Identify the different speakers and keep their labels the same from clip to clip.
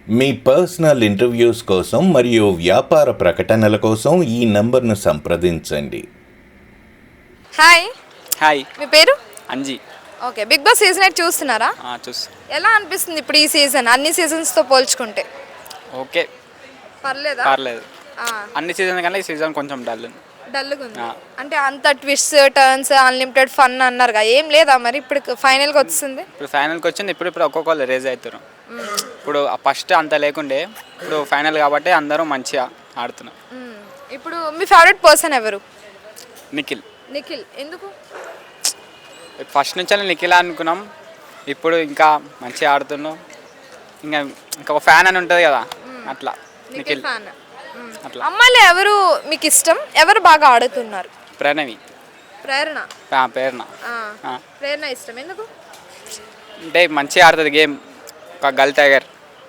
Speaker 1: మీ personal interviews కోసం మరియు వ్యాపార ప్రకటనల కోసం ఈ నంబర్ను సంప్రదించండి.
Speaker 2: హాయ్.
Speaker 3: హాయ్,
Speaker 2: మీ పేరు?
Speaker 3: Anji.
Speaker 2: Okay, big boss season 8 చూస్తున్నారా?
Speaker 3: చూసి
Speaker 2: ఎలా అనిపిస్తుంది ఇప్పుడు ఈ సీజన్ అన్ని సీజన్స్తో పోల్చుకుంటే?
Speaker 3: ఓకే,
Speaker 2: పర్లేదా?
Speaker 3: పర్లేదు. అన్ని సీజన్ కన్నా ఈ సీజన్ కొంచెం
Speaker 2: డల్గా ఉంది. అంటే అంత ట్విస్ట్ టర్న్స్ అన్లిమిటెడ్ ఫన్ అన్నారుగా, ఏం లేదా మరి ఇప్పుడు ఫైనల్గా వచ్చింది?
Speaker 3: ఇప్పుడు ఫైనల్కి వచ్చింది. ఇప్పుడు ఒక్కొక్కరు రేజ్ అవుతారు. ఇప్పుడు ఫస్ట్ అంత లేకుండే, ఇప్పుడు ఫైనల్ కాబట్టి అందరూ మంచిగా ఆడుతున్నారు.
Speaker 2: ఇప్పుడు మీ ఫేవరెట్ పర్సన్ ఎవరు?
Speaker 3: నిఖిల్.
Speaker 2: నిఖిల్ ఎందుకు?
Speaker 3: ఫస్ట్ నుంచి నిఖిల్ అనుకున్నాం, ఇప్పుడు ఇంకా మంచిగా ఆడుతున్నాం. ఇంకా ఒక ఫ్యాన్ అని ఉంటుంది కదా, అట్లా నిఖిల్
Speaker 2: ఫ్యాన్.
Speaker 3: అట్లా.
Speaker 2: అమ్మాయిలు ఎవరు మీకు ఇష్టం? ఎవరు బాగా ఆడుతున్నారు?
Speaker 3: ప్రణవి.
Speaker 2: ప్రేరణ. ప్రేరణ ఇష్టం ఎందుకు?
Speaker 3: అంటే మంచిగా ఆడుతుంది గేమ్. ఒక గర్ల్ టైగర్,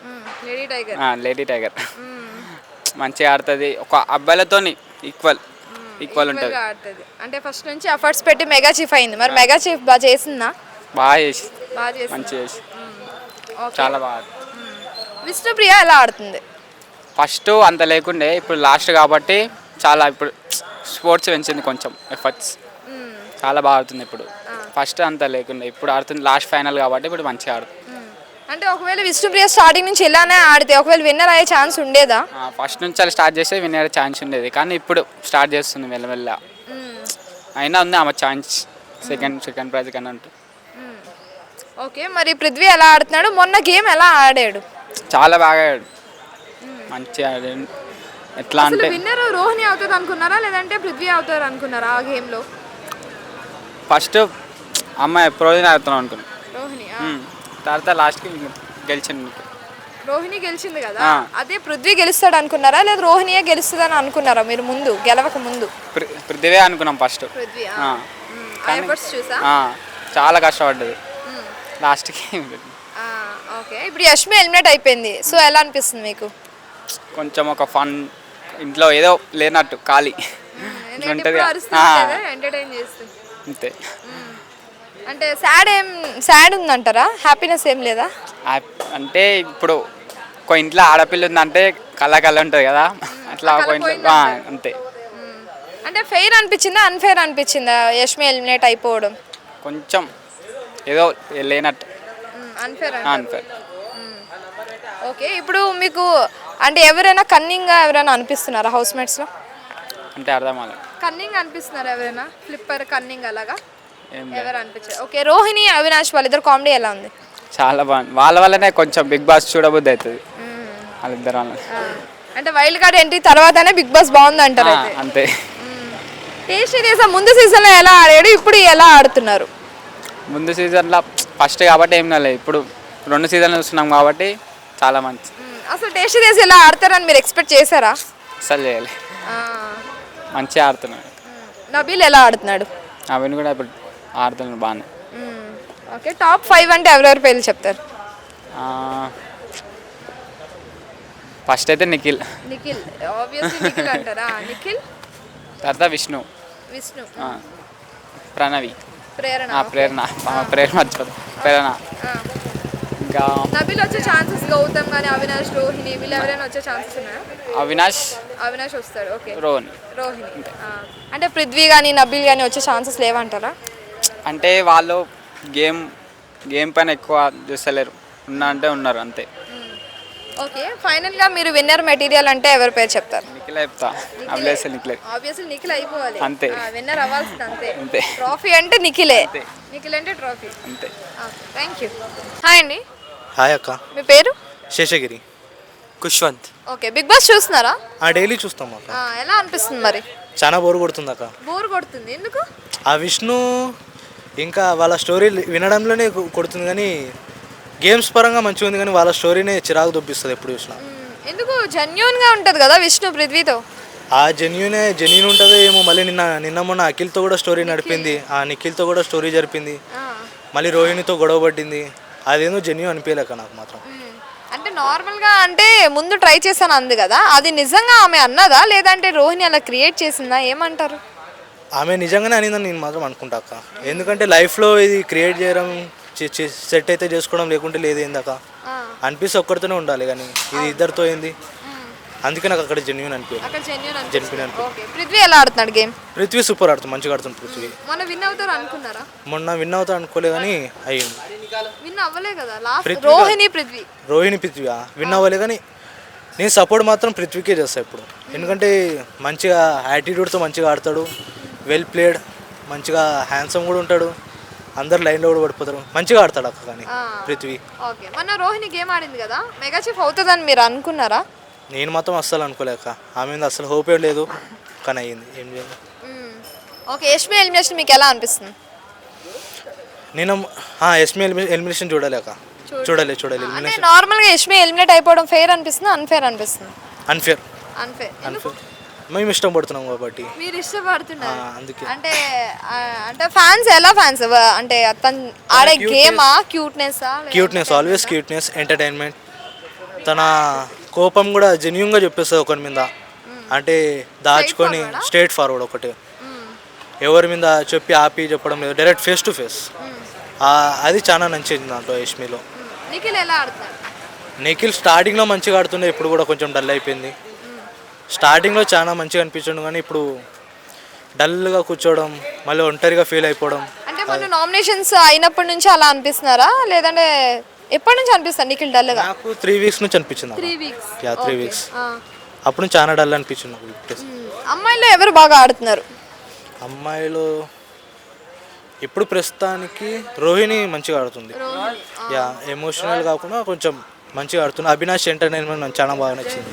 Speaker 3: లేడీ టైగర్ మంచిగా ఆడుతుంది. ఒక అబ్బాయిలతో ఈక్వల్ ఉంటుంది.
Speaker 2: అంటే ఫస్ట్ నుంచి ఎఫర్ట్స్ పెట్టి మెగా చీఫ్ అయింది. మరి మెగా చీఫ్ బాగా చేసిందా?
Speaker 3: బాగా చేసి మంచిగా చేసి చాలా బాగా.
Speaker 2: విష్ణుప్రియ ఎలా ఆడుతుంది?
Speaker 3: ఫస్ట్ అంత లేకుండే, ఇప్పుడు లాస్ట్ కాబట్టి చాలా ఇప్పుడు స్పోర్ట్స్ పెంచింది కొంచెం ఎఫర్ట్స్. చాలా బాగా ఆడుతుంది ఇప్పుడు. ఫస్ట్ అంత లేకుండే, ఇప్పుడు ఆడుతుంది. లాస్ట్ ఫైనల్ కాబట్టి ఇప్పుడు మంచిగా ఆడుతుంది.
Speaker 2: అంటే ఒకవేళ విష్ణుప్రియ స్టార్టింగ్ నుంచి ఇలానే ఆడితే ఒకవేళ విన్నర్ అయ్యే ఛాన్స్ ఉండేదా?
Speaker 3: ఫస్ట్ నుంచి అలా స్టార్ట్ చేస్తే విన్నర్ ఛాన్స్ ఉండేది, కానీ ఇప్పుడు స్టార్ట్ చేస్తుంది మెల్లమెల్ల. అయినా ఉంది ఆమె ఛాన్స్ సెకండ్ ప్రైజ్ కన్నా ఉంటుంది.
Speaker 2: ఓకే, మరి పృథ్వీ ఎలా ఆడుతున్నాడు? మొన్న గేమ్ ఎలా ఆడాడు?
Speaker 3: చాలా బాగా ఆడాడు, మంచిగా ఆడాడు. ఎట్లా అంటే
Speaker 2: విన్నర్ రోహిణి అవుతుంది అనుకున్నారా, లేదంటే పృథ్వీ అవుతారు అనుకున్నారా ఆ గేమ్లో?
Speaker 3: ఫస్ట్ అమ్మాయి ప్రోజన్ ఆడుతున్నాం అనుకున్నాను,
Speaker 2: రోహిణి.
Speaker 3: తర్వాత లాస్ట్కి గెలిచింది.
Speaker 2: రోహిణి గెలిచింది కదా, అదే పృథ్వీ గెలుస్తాడు అనుకున్నారా, లేదా రోహిణియే గెలుస్తుందని అనుకున్నారా మీరు ముందు గెలవక ముందు?
Speaker 3: పృథ్వీ అనుకున్నాం ఫస్ట్. చాలా కష్టపడ్డది లాస్ట్కి.
Speaker 2: ఓకే, ఇప్పుడు యష్మి ఎలిమినేట్ అయిపోయింది, సో ఎలా అనిపిస్తుంది మీకు?
Speaker 3: కొంచెం ఒక ఫన్, ఇంట్లో ఏదో లేనట్టు ఖాళీ ఉంటుంది అంతే.
Speaker 2: అంటే సాడ్ ఉందంటారా? హ్యాపీనెస్ ఏం లేదా?
Speaker 3: అంటే ఇప్పుడు ఒక ఇంట్లో ఆడపిల్ల ఉందంటే కళ్ళ ఉంటుంది కదా, అట్లా ఒక ఇంట్లో అంతే.
Speaker 2: అంటే ఫెయిర్ అనిపించిందా అన్ఫెయిర్ అనిపించిందా యష్మి ఎలిమినేట్ అయిపోవడం?
Speaker 3: కొంచెం ఏదో లేనట్టు,
Speaker 2: అన్ఫెయిర్. ఓకే, ఇప్పుడు మీకు అంటే ఎవరైనా కన్నింగ్గా ఎవరైనా అనిపిస్తున్నారా హౌస్ మేట్స్లో?
Speaker 3: అంటే అర్థం అవ్వలేదు.
Speaker 2: కన్నింగ్ అనిపిస్తున్నారా ఎవరైనా? ఫ్లిప్పర్ కన్నింగ్ అలాగా ఎవరు అనిపించారు? ఓకే, రోహిణి అవినాష్ వాళ్ళిద్దరు కామెడీ ఎలా ఉంది?
Speaker 3: చాలా బాగుంది. వాళ్ళ వల్లనే కొంచెం బిగ్ బాస్ చూడబుద్ధి అవుతుంది వాళ్ళిద్దరు వల్ల.
Speaker 2: అంటే వైల్డ్ కార్డ్ ఎంట్రీ తర్వాతనే బిగ్ బాస్ బాగుంది అంటారు
Speaker 3: అంతే.
Speaker 2: టేస్టీ చేసా ముందు సీజన్లో ఎలా ఆడాడు, ఇప్పుడు ఎలా ఆడుతున్నారు?
Speaker 3: ముందు సీజన్లో ఫస్ట్ కాబట్టి ఏం లేదు, ఇప్పుడు 2 సీజన్లు చూస్తున్నాం కాబట్టి చాలా మంచి.
Speaker 2: అసలు టేస్టీ చేసి ఎలా ఆడతారని మీరు ఎక్స్పెక్ట్ చేశారా?
Speaker 3: అసలు చేయాలి, మంచిగా ఆడుతున్నాడు.
Speaker 2: నబీల్ ఎలా ఆడుతున్నాడు?
Speaker 3: నవీన్ కూడా ఇప్పుడు ఆడుతున్నాడు బాగానే.
Speaker 2: ఓకే, టాప్ 5 అంటే ఎవరెవరి పేర్లు చెప్తారు?
Speaker 3: ఫస్ట్ అయితే నిఖిల్
Speaker 2: ఆబ్వియస్లీ అంటారా? నిఖిల్
Speaker 3: తర్వాత విష్ణు, ప్రణవి, ప్రేరణ మర్చిపోతా, ప్రేరణ. ఇంకా
Speaker 2: నబీల్ వచ్చే ఛాన్సెస్, గౌతమ్ కానీ అవినాష్, రోహిణి వీళ్ళు ఎవరైనా వచ్చే ఛాన్సెస్ ఉన్నాయా? అవినాష్ వస్తాడు. ఓకే, రోహిణి. అంటే పృథ్వీ కానీ నబీల్ కానీ వచ్చే ఛాన్సెస్ లేవంటారా?
Speaker 3: అంటే వాళ్ళు గేమ్ పైన ఎక్కువ చూస్తలేరు, ఉన్నారు అంతే.
Speaker 2: ఓకే, ఫైనల్గా మీరు విన్నర్ మెటీరియల్ అంటే ఎవరి పేరు చెప్తారు?
Speaker 3: నిఖిల్ చెప్తా.
Speaker 2: ఆబ్వియస్లీ నిఖిల్ అయిపోవాలి
Speaker 3: అంతే,
Speaker 2: విన్నర్ అవ్వాల్సింది
Speaker 3: అంతే.
Speaker 2: ట్రోఫీ అంటే నిఖిల్ అంటే ట్రోఫీ
Speaker 3: అంతే.
Speaker 2: Thank you. హాయ్ అండి.
Speaker 4: హాయ్ అక్క.
Speaker 2: మీ పేరు?
Speaker 4: Seshagiri.
Speaker 5: Khushwant.
Speaker 2: Okay, big boss చూస్తున్నారా?
Speaker 4: డైలీ చూస్తాం అక్క.
Speaker 2: ఎలా అనిపిస్తుంది మరి?
Speaker 4: చాలా బోర్ కొడుతుంది అక్క.
Speaker 2: బోర్ కొడుతుంది ఎందుకు?
Speaker 4: ఆ విష్ణు ఇంకా వాళ్ళ స్టోరీ వినడంలోనే కొడుతుంది, కానీ గేమ్స్ పరంగా మంచిగా ఉంది, కానీ వాళ్ళ స్టోరీనే చిరాకు దొబ్బిస్తుంది ఎప్పుడు చూసినా.
Speaker 2: ఎందుకు? జెన్యూన్గా ఉంటుంది కదా విష్ణు పృథ్వీతో.
Speaker 4: జెన్యూన్ ఉంటుంది ఏమో. మళ్ళీ నిన్న మొన్న అఖిల్తో కూడా స్టోరీ నడిపింది, నిఖిల్తో కూడా స్టోరీ జరిపింది, మళ్ళీ రోహిణితో గొడవ పడ్డింది. అదేందో జెన్యూన్ అనిపించలేక నాకు మాత్రం.
Speaker 2: అంటే నార్మల్గా అంటే ముందు ట్రై చేశాను అంది కదా, అది నిజంగా ఆమె అన్నదా లేదంటే రోహిణి అలా క్రియేట్ చేసిందా, ఏమంటారు?
Speaker 4: ఆమె నిజంగానే అనిందని నేను మాత్రం అనుకుంటా అక్క. ఎందుకంటే లైఫ్లో ఇది క్రియేట్ చేయడం సెట్ అయితే చేసుకోవడం లేకుంటే లేదు ఏందక్క. అనిపిస్తే ఒక్కరితోనే ఉండాలి కానీ ఇది ఇద్దరితో ఏంది, అందుకే నాకు అక్కడ జెన్యున్ అనిపించింది.
Speaker 2: అక్కడ జెన్యూన్
Speaker 4: జెన్యున్ అనిపించింది.
Speaker 2: ఓకే. పృథ్వీ ఎలా ఆడుతున్నాడు గేమ్?
Speaker 4: పృథ్వీ సూపర్ ఆడుతుంది, మంచిగా ఆడుతుంది పృథ్వీ.
Speaker 2: మొన్న విన్ అవుతారు అనుకున్నారా?
Speaker 4: మొన్న విన్ అవుతా అనుకోలే కానీ అయ్యింది.
Speaker 2: విన్ అవ్వలే కదా లాస్ట్. రోహిణి పృథ్వీ
Speaker 4: విన్ అవ్వలే కానీ నేను సపోర్ట్ మాత్రం పృథ్వీకే చేస్తాను ఇప్పుడు. ఎందుకంటే మంచిగా యాటిట్యూడ్తో మంచిగా ఆడతాడు, వెల్ ప్లేడ్, మంచిగా హ్యాండ్సమ్ కూడా ఉంటాడు, అందరు లైన్లో కూడా పడిపోతారు, మంచిగా ఆడతాడు అక్క. కానీ పృథ్వీ
Speaker 2: ఓకే. మొన్న రోహిణి గేమ్ ఆడింది కదా, మెగా చీఫ్ అవుతుందని మీరు అనుకున్నారా?
Speaker 4: నేను మాత్రం అస్సలు అనుకోలేక, ఆమె మీద అస్సలు హోపే లేదు, కానీ అయ్యింది. ఏం చేయాలి.
Speaker 2: ఓకే. యష్మి ఎలిమినేషన్ మీకు ఎలా అనిపిస్తుంది?
Speaker 4: నేను యష్మి ఎలిమినేషన్ చూడలేక చూడాలి.
Speaker 2: అంటే నార్మల్గా యష్మి ఎలిమినేట్ అయిపోవడం ఫెయిర్ అనిపిస్తుంది, అన్ఫేర్ అనిపిస్తుంది?
Speaker 4: అన్ఫేర్. మేము ఇష్టం పడుతున్నాం కాబట్టి.
Speaker 2: మీరు ఇష్టపడుతున్నారు
Speaker 4: అందుకే.
Speaker 2: అంటే ఫ్యాన్స్ ఎలా ఫ్యాన్స్ అంటే తను ఆడే గేమా, క్యూట్నెస్
Speaker 4: ఆల్వేస్ క్యూట్నెస్, ఎంటర్టైన్మెంట్. తన కోపం కూడా జెన్యూన్గా చెప్పేస్తుంది ఒకరి మీద, అంటే దాచుకొని స్ట్రేట్ ఫార్వర్డ్ ఒకటి, ఎవరి మీద చెప్పి ఆపి చెప్పడం లేదు, డైరెక్ట్ ఫేస్ టు ఫేస్. అది చాలా నచ్చింది దాంట్లో యష్మిలో.
Speaker 2: నిఖిల్ ఎలా ఆడుతున్నాడు?
Speaker 4: నిఖిల్ స్టార్టింగ్లో మంచిగా ఆడుతుండే, ఇప్పుడు కూడా కొంచెం డల్ అయిపోయింది. స్టార్టింగ్లో చాలా మంచిగా అనిపించండు కానీ ఇప్పుడు డల్గా కూర్చోవడం, మళ్ళీ ఒంటరిగా ఫీల్ అయిపోవడం.
Speaker 2: అంటే మన నామినేషన్స్ అయినప్పటి నుంచి అలా అనిపిస్తున్నారా, లేదంటే ఎప్పటి నుంచి అనిపిస్తారు నిఖిల్ డల్గా?
Speaker 4: నాకు 3 వీక్స్ నుంచి అనిపించింది. 3 వీక్స్ అప్పుడు చాలా డల్ అనిపించింది నాకు.
Speaker 2: అమ్మాయిలో ఎవరు బాగా ఆడుతున్నారు?
Speaker 4: అమ్మాయిలో ఇప్పుడు ప్రస్తుతానికి రోహిణి మంచిగా ఆడుతుంది. ఎమోషనల్ కాకుండా కొంచెం మంచిగా ఆడుతుంది. అవినాష్ ఎంటర్టైన్మెంట్ నాకు చాలా బాగా నచ్చింది.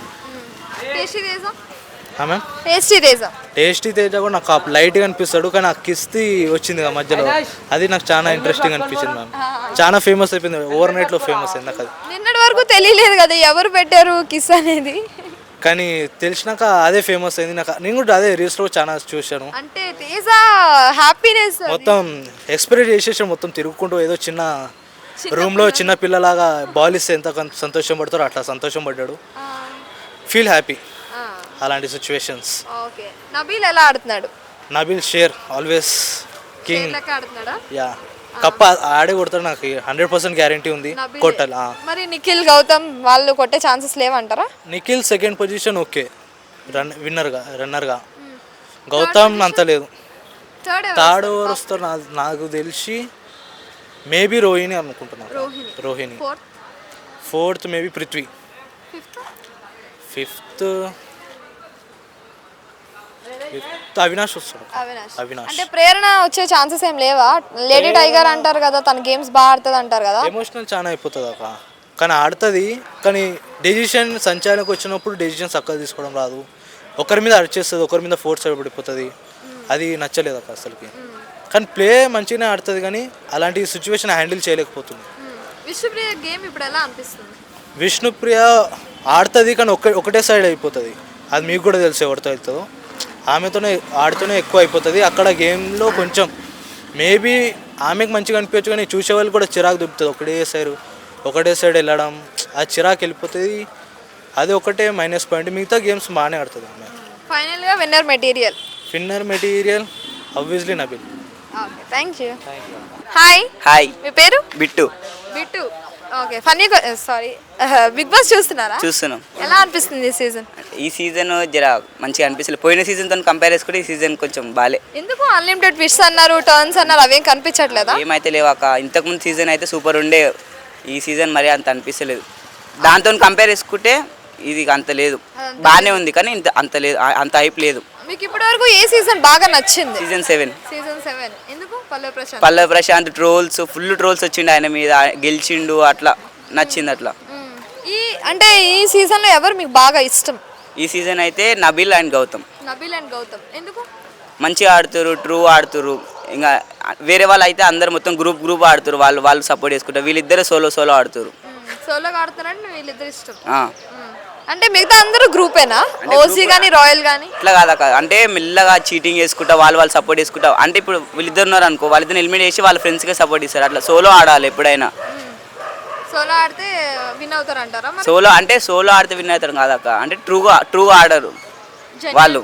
Speaker 4: టేస్టీ తేజ కూడా నాకు లైట్గా అనిపిస్తాడు, కానీ ఆ కిస్తీ వచ్చింది మధ్యలో, అది నాకు చాలా ఇంట్రెస్టింగ్ అనిపించింది. మ్యామ్ చాలా ఫేమస్ అయిపోయింది, ఓవర్ నైట్లో ఫేమస్ అయింది. నాకు అది
Speaker 2: నిన్నటి వరకు తెలియలేదు కదా ఎవరు పెట్టారు కిస్ అనేది,
Speaker 4: కానీ తెలిసినాక అదే ఫేమస్ అయింది. నేను కూడా అదే రీల్స్లో చాలా చూశాను.
Speaker 2: అంటే తేజ హ్యాపీనెస్
Speaker 4: మొత్తం ఎక్స్పైర్ చేసేసి మొత్తం తిరుగుకుంటూ ఏదో చిన్న రూమ్లో చిన్న పిల్లలాగా బాల్ ఇస్తే ఎంత సంతోషం పడతారో అట్లా సంతోషం పడ్డాడు. ఫీల్ హ్యాపీ అలాంటి సిచ్యువేషన్స్.
Speaker 2: ఓకే. నబీల్ ఎలా ఆడుతున్నాడు?
Speaker 4: నబీల్ షేర్ ఆల్వేస్ కింగ్. యా కప్ప ఆడే కొడతాడు, నాకు 100% గ్యారంటీ ఉంది కొట్టాలి.
Speaker 2: మరి నిఖిల్ గౌతమ్ వాళ్ళు కొట్టే ఛాన్సెస్ లేవంటారా?
Speaker 4: నిఖిల్ సెకండ్ పొజిషన్ ఓకే, రన్నర్గా. గౌతమ్ అంత లేదు. థర్డ్ ఓవర్ వస్తారు నాకు తెలిసి మేబీ రోహిణి అనుకుంటున్నాను. Rohini. Fourth maybe Prithvi. Fifth Avinash వస్తాడు. అవినాష్
Speaker 2: అంటే ప్రేరణ వచ్చే ఛాన్సెస్ ఏం లేవా? లేడీ టైగర్ అంటారు కదా, తన గేమ్స్ బాగా ఆడుతుంది అంటారు కదా.
Speaker 4: ఎమోషనల్ చాలా అయిపోతుంది అక్క, కానీ ఆడుతుంది. కానీ డెసిషన్ సంచాలకు వచ్చినప్పుడు డెసిషన్ చక్కగా తీసుకోవడం రాదు, ఒకరి మీద అరిచేస్తుంది, ఒకరి మీద ఫోర్స్ పడిపోతుంది. అది నచ్చలేదు అక్క అసలుకి. కానీ ప్లే మంచిగానే ఆడుతుంది, కానీ అలాంటి సిచ్యువేషన్ హ్యాండిల్ చేయలేకపోతుంది.
Speaker 2: విష్ణుప్రియ గేమ్ ఇప్పుడు ఎలా అనిపిస్తుంది?
Speaker 4: విష్ణుప్రియ ఆడుతుంది, కానీ ఒకటే సైడ్ అయిపోతుంది. అది మీకు కూడా తెలుసు ఎవరితో అవుతుందో. ఆమెతోనే ఆడుతూనే ఎక్కువ అయిపోతుంది. అక్కడ గేమ్లో కొంచెం మేబీ ఆమెకు మంచిగా అనిపించచ్చు, కానీ చూసే వాళ్ళు కూడా చిరాకు దుబ్బుతుంది. ఒకటే సైడ్ వెళ్ళడం, ఆ చిరాకు వెళ్ళిపోతుంది. అది ఒకటే మైనస్ పాయింట్. మిగతా గేమ్స్ బాగానే ఆడుతుంది ఆమె.
Speaker 2: ఫైనల్గా winner material
Speaker 4: obviously Nabeel.
Speaker 2: Okay, thank you. Hi, మీ పేరు?
Speaker 5: బిట్టు.
Speaker 2: ఓకే. బిగ్ బాస్ చూస్తున్నాం. ఎలా అనిపిస్తుంది
Speaker 5: ఈ సీజన్ జర మంచిగా అనిపిస్తుంది. పోయిన సీజన్తో కంపేర్ చేసుకుంటే ఈ సీజన్ కొంచెం బాలే.
Speaker 2: ఎందుకు అన్లిమిటెడ్ ట్విస్ట్స్ అన్నారు, టర్న్స్ అన్నారు, అవేం కనిపించట్లేదా?
Speaker 5: ఏమైతే లేవాక. ఇంతకుముందు సీజన్ అయితే సూపర్ ఉండే, ఈ సీజన్ మరి అంత అనిపిస్తలేదు. దాంతో కంపేర్ చేసుకుంటే ఇది అంత లేదు, బాగానే ఉంది, కానీ అంత లేదు, అంత హైప్ లేదు.
Speaker 2: మీకు ఇప్పటి వరకు ఏ సీజన్ బాగా నచ్చింది?
Speaker 5: సీజన్ 7.
Speaker 2: ఎందుకు?
Speaker 5: పల్లవి ప్రశాంత్ ఫుల్ ట్రోల్స్ వచ్చిండు ఆయన మీద, గెలిచిండు, అట్లా నచ్చింది అట్లా.
Speaker 2: ఈ సీజన్ లో ఎవరు మీకు బాగా ఇష్టం?
Speaker 5: ఈ సీజన్ అయితే నబీల్ అండ్ గౌతమ్.
Speaker 2: ఎందుకు?
Speaker 5: మంచిగా ఆడుతురు, ట్రూ ఆడుతురు. ఇంకా వేరే వాళ్ళు అయితే అందరు మొత్తం గ్రూప్ ఆడుతురు, వాళ్ళు సపోర్ట్ చేసుకుంటారు. వీళ్ళిద్దరు సోలో ఆడుతురు.
Speaker 2: అంటే మిగతా అందరూ గ్రూపేనా? ఓసీ గానీ రాయల్ గానీ
Speaker 5: ఇట్లా కాదా? అంటే మెల్లగా చీటింగ్ చేసుకుంటా వాళ్ళు సపోర్ట్ చేసుకుంటా. అంటే ఇప్పుడు వీళ్ళిద్దరు ఉన్నారు అనుకో, వాళ్ళిద్దరు ఎలిమినేట్ చేసి వాళ్ళ ఫ్రెండ్స్కే సపోర్ట్ ఇస్తారు. అట్లా సోలో ఆడాలి ఎప్పుడైనా.
Speaker 2: సోలో ఆడితే విన్ అవుతారు అంటారా?
Speaker 5: సోలో ఆడితే విన్ అవుతారు కాదక్క. అంటే ట్రూ ఆడరు వాళ్ళు.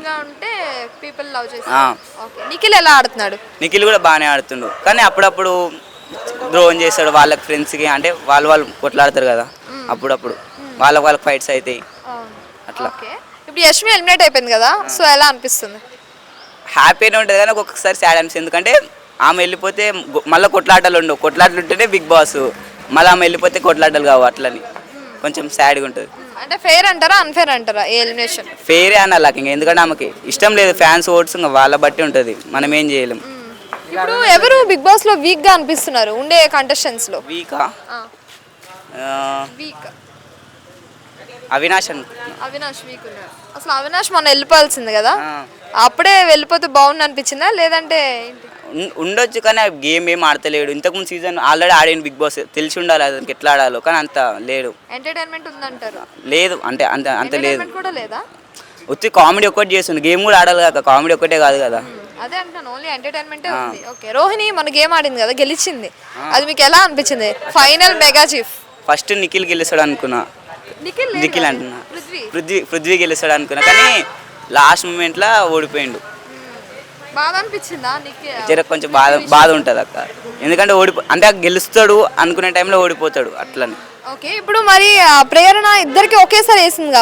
Speaker 2: నిఖిల్ ఎలా ఆడుతున్నాడు?
Speaker 5: నిఖిల్ కూడా బాగానే ఆడుతుండు, కానీ అప్పుడప్పుడు ద్రోహం చేస్తాడు వాళ్ళకి ఫ్రెండ్స్కి. అంటే వాళ్ళు కొట్లాడతారు కదా, అప్పుడప్పుడు వాళ్ళకి ఫైట్స్ అవుతాయి అట్లా.
Speaker 2: ఓకే, ఇప్పుడు యష్మి ఎలిమినేట్ అయిపోయింది కదా, సో ఎలా అనిపిస్తుంది?
Speaker 5: హ్యాపీనే ఉంటుంది కానీ ఒక్కొక్కసారి సాడ్ అనిపిస్తుంది. ఎందుకంటే ఆమె వెళ్ళిపోతే మళ్ళీ కొట్లాటలు ఉండవు, కొట్లాటలు ఉంటేనే బిగ్ బాస్, మళ్ళీ ఆమె వెళ్ళిపోతే కొట్లాటలు కావు, అట్లని కొంచెం సాడ్గా ఉంటుంది.
Speaker 2: అంటే ఫెయిర్ అంటారా అన్ఫేర్ అంటారా ఈ ఎలిమినేషన్?
Speaker 5: ఫెయిరే అనాలి ఇంకా, ఎందుకంటే ఆమెకి ఇష్టం లేదు, ఫ్యాన్స్ ఓట్స్ ఇంకా వాళ్ళ బట్టి ఉంటుంది, మనం ఏం చేయలేం.
Speaker 2: ఇప్పుడు ఎవరు బిగ్ బాస్ లో వీక్ గా అనిపిస్తున్నారు ఉండే కంటెస్టెంట్స్ లో?
Speaker 5: వీకా
Speaker 2: వీక్
Speaker 5: అవినాష్ అనుకుంటున్నా.
Speaker 2: అవినాష్ వీక్ ఉన్నాడు. అసలు అవినాష్ మొన్న వెళ్ళిపోవాల్సింది కదా, అప్పుడే వెళ్ళిపోతే బాగుంది అనిపించిందా లేదంటే ఏంటి?
Speaker 5: ఉండొచ్చు కానీ ఆ గేమ్ ఏం ఆడతలేడు. ఇంతకుముందు సీజన్ ఆల్రెడీ ఆడిన బిగ్ బాస్, తెలిసి ఉండాలి అతనికి ఎట్లా ఆడాలో, కానీ అంత లేడు.
Speaker 2: ఎంటర్టైన్మెంట్ ఉందంటారు?
Speaker 5: లేదు అంటే అంత అంత లేదు,
Speaker 2: ఎంటర్టైన్మెంట్ కూడా లేదా?
Speaker 5: వచ్చి కామెడీ ఒక్కటి చేస్తుంది, గేమ్ కూడా ఆడాలి కదా, కామెడీ ఒక్కటే కాదు కదా.
Speaker 2: అదే అంటున్నాను, ఓన్లీ ఎంటర్టైన్మెంటే ఉంది. ఓకే, రోహిణి మన గేమ్ ఆడింది కదా, గెలిచింది, అది మీకు ఎలా అనిపించింది? Final mega chief
Speaker 5: first Nikhil గెలుస్తాడు అనుకున్నా, నిఖిల్ అంటున్నా, పృథ్వీ గెలుస్తాడు అనుకున్నా, కానీ లాస్ట్ మూమెంట్లో ఓడిపోయిండు.
Speaker 2: బాధ అనిపించిందా నిఖిల్?
Speaker 5: జర కొంచెం బాధ ఉంటుంది అక్క, ఎందుకంటే అంటే గెలుస్తాడు అనుకునే టైంలో ఓడిపోతాడు అట్లని.
Speaker 2: ఓకే, ఇప్పుడు మరి ప్రేరణ ఇద్దరికి ఒకేసారి వేసిందిగా,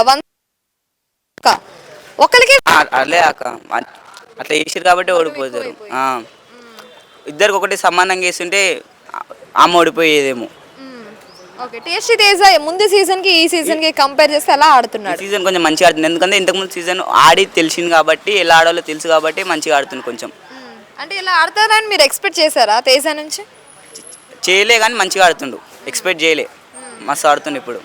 Speaker 2: ఒకరికి
Speaker 5: అట్లే అక్క, అట్లా వేసారు కాబట్టి ఓడిపోతారు. ఇద్దరికి ఒకటి సమానంగా వేస్తుంటే ఆమె ఓడిపోయేదేమో.
Speaker 2: ఓకే, టేస్టీ తేజ ముందు సీజన్ కి ఈ సీజన్ కి కంపేర్ చేస్తే ఎలా ఆడుతున్నాడు?
Speaker 5: సీజన్ కొంచెం మంచిగా ఆడుతుంది, ఎందుకంటే ఇంతకుముందు సీజన్ ఆడి తెలిసింది కాబట్టి, ఎలా ఆడాలో తెలుసు కాబట్టి మంచిగా ఆడుతుంది కొంచెం.
Speaker 2: అంటే ఇలా ఆడతారని మీరు ఎక్స్పెక్ట్ చేశారా తేజ నుంచి?
Speaker 5: చేయలే కానీ మంచిగా ఆడుతుండు, ఎక్స్పెక్ట్ చేయలే, మస్తు ఆడుతుండు. ఇప్పుడు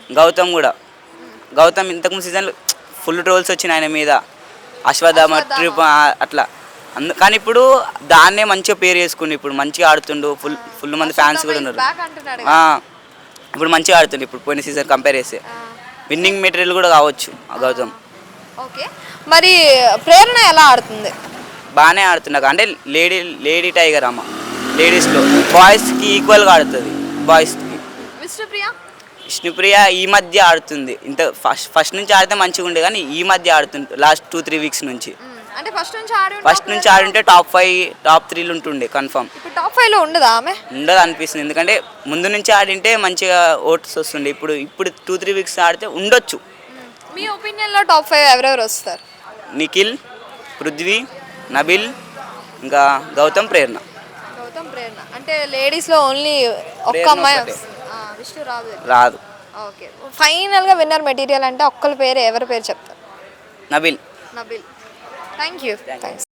Speaker 5: గౌతమ్ ఇంతకుముందు సీజన్లో ఫుల్ ట్రోల్స్ వచ్చినాయి ఆయన మీద, అశ్వత్థామ ట్రిప్ అట్లా కానీ ఇప్పుడు దాన్నే మంచిగా పేరు చేసుకుండు, ఇప్పుడు మంచిగా ఆడుతుండు, ఫుల్ మంది ఫ్యాన్స్ కూడా ఉన్నారు. ఇప్పుడు మంచిగా ఆడుతుంది, ఇప్పుడు పోయిన సీజన్ కంపేర్ చేస్తే విన్నింగ్ మెటీరియల్ కూడా కావచ్చు గౌతమ్.
Speaker 2: ఓకే, మరి ప్రేరణ ఎలా ఆడుతుంది?
Speaker 5: బాగానే ఆడుతున్నాక, అంటే లేడీ టైగర్ అమ్మ, లేడీస్లో బాయ్స్కి ఈక్వల్గా ఆడుతుంది. బాయ్స్కి విష్ణుప్రియ ఈ మధ్య ఆడుతుంది, ఇంత ఫస్ట్ నుంచి ఆడితే మంచిగా ఉండే కానీ ఈ మధ్య ఆడుతుంది, లాస్ట్ 2-3 వీక్స్ నుంచి.
Speaker 2: అంటే
Speaker 5: ఫస్ట్ నుంచి ఆడుంటే టాప్ 5 టాప్ 3 ఉంటుండే కన్ఫర్మ్.
Speaker 2: ఇప్పుడు టాప్ 5 లో ఉండదా ఆమె?
Speaker 5: ఉండదు అనిపిస్తుంది, ఎందుకంటే ముందు నుంచి ఆడింటే మంచిగా ఓట్స్ వస్తుండే, ఇప్పుడు 2-3 వీక్స్ ఆడితే ఉండొచ్చు.
Speaker 2: మీ ఒపీనియన్ లో టాప్ 5 ఎవరెవరు వస్తారు?
Speaker 5: నిఖిల్, పృథ్వీ, నబిల్, ఇంకా గౌతమ్, ప్రేరణ.
Speaker 2: గౌతమ్, ప్రేరణ. అంటే లేడీస్ లో ఓన్లీ ఒక్క అమ్మాయి, విష్ణు
Speaker 5: రాదు.
Speaker 2: ఓకే, ఫైనల్ గా విన్నర్ మెటీరియల్ అంటే ఒక్కరి పేరు, ఎవరి పేరు చెప్తారు?
Speaker 5: నబిల్.
Speaker 2: Thank you. థ్యాంక్స్.